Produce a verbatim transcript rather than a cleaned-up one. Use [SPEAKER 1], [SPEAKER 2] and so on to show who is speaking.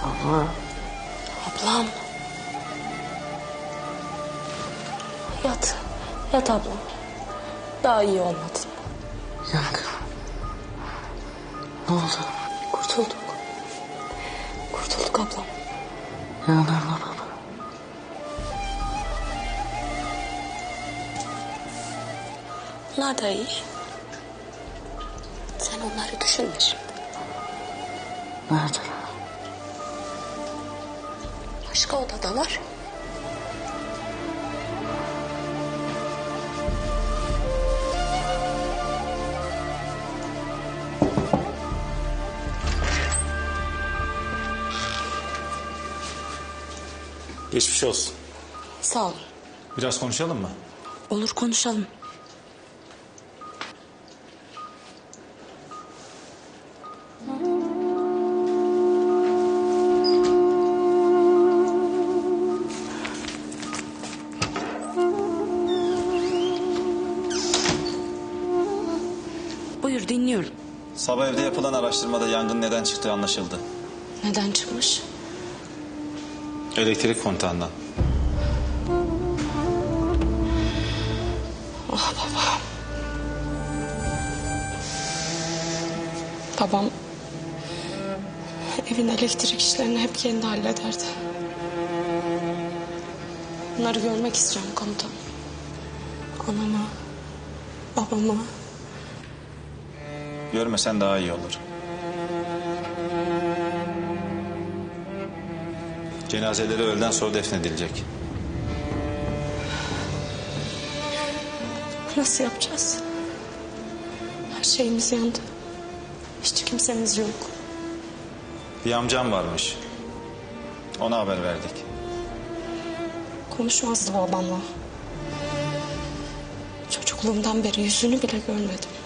[SPEAKER 1] Ama...
[SPEAKER 2] Ablam. Yat. Yat ablam. Daha iyi olmadın.
[SPEAKER 1] Yangın. Ne oldu?
[SPEAKER 2] Kurtulduk. Kurtulduk ablam.
[SPEAKER 1] Yangın baba.
[SPEAKER 2] Onlar da iyi. Sen onları düşünme şimdi.
[SPEAKER 1] Nerede?
[SPEAKER 2] Başka odadalar.
[SPEAKER 3] Geçmiş olsun.
[SPEAKER 2] Sağ olun.
[SPEAKER 3] Biraz konuşalım mı?
[SPEAKER 2] Olur, konuşalım. Buyur, dinliyorum.
[SPEAKER 3] Sabah evde yapılan araştırmada yangın neden çıktığı anlaşıldı.
[SPEAKER 2] Neden çıkmış?
[SPEAKER 3] Elektrik kontağından.
[SPEAKER 2] Ah babam. Babam evin elektrik işlerini hep kendi hallederdi. Bunları görmek istiyorum komutanım. Anamı, babamı.
[SPEAKER 3] Görmesen daha iyi olur. Cenazeleri öğleden sonra defnedilecek.
[SPEAKER 2] Nasıl yapacağız? Her şeyimiz yandı. Hiç kimsemiz yok.
[SPEAKER 3] Bir amcam varmış. Ona haber verdik.
[SPEAKER 2] Konuşmazdı babamla. Çocukluğumdan beri yüzünü bile görmedim.